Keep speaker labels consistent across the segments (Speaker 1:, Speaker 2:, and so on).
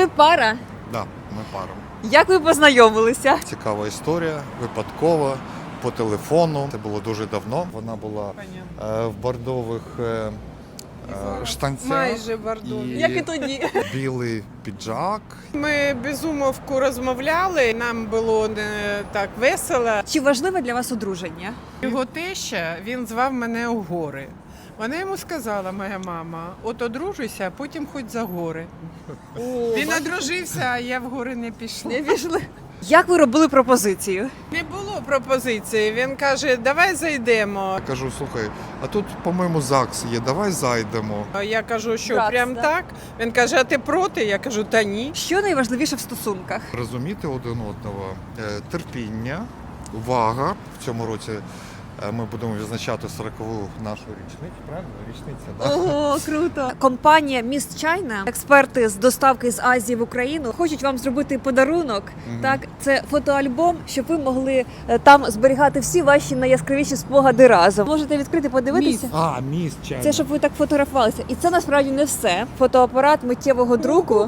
Speaker 1: Ви пара?
Speaker 2: Да, ми пара.
Speaker 1: Як ви познайомилися?
Speaker 2: Цікава історія, випадково, по телефону. Це було дуже давно. Вона була в бордових штанцях.
Speaker 3: Майже бордові.
Speaker 2: І
Speaker 1: Як і тоді.
Speaker 2: білий піджак.
Speaker 3: Ми без умовку розмовляли, нам було не так весело.
Speaker 1: Чи важливе для вас одруження?
Speaker 3: Його теща, він звав мене у гори. Вона йому сказала, моя мама, от одружуйся, а потім хоч за гори. Він одружився, а я в гори не пішла.
Speaker 1: Не пішли. Як ви робили пропозицію?
Speaker 3: Не було пропозиції. Він каже, давай зайдемо.
Speaker 2: Я кажу, слухай, а тут, по-моєму, ЗАГС є, давай зайдемо.
Speaker 3: Я кажу, що
Speaker 1: Братство.
Speaker 3: прям так. Він каже, а ти проти? Я кажу, та ні.
Speaker 1: Що найважливіше в стосунках?
Speaker 2: Розуміти один одного, терпіння, увага. В цьому році ми будемо відзначати 40-ву нашу річницю, правильно? Річниця, так?
Speaker 1: Ого, круто! Компанія Міст Чайна, експерти з доставки з Азії в Україну, хочуть вам зробити подарунок. Так, це фотоальбом, щоб ви могли там зберігати всі ваші найяскравіші спогади разом. Можете відкрити, подивитися.
Speaker 2: А, міст чайний.
Speaker 1: Це щоб ви так фотографувалися. І це насправді не все. Фотоапарат миттєвого друку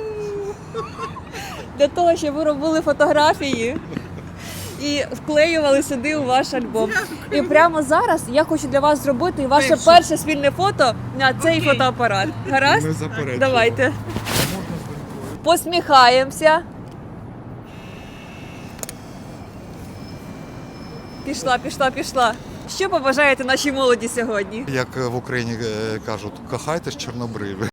Speaker 1: для того, щоб ви робили фотографії і вклеювали сюди у ваш альбом. І прямо зараз я хочу для вас зробити ваше перше спільне фото на цей фотоапарат. Гаразд?
Speaker 2: Не заперечуємо.
Speaker 1: Давайте.
Speaker 2: Можна з донькою?
Speaker 1: Посміхаємося. Пішла. Що побажаєте нашій молоді сьогодні?
Speaker 2: Як в Україні кажуть, кохайтесь чорнобриві.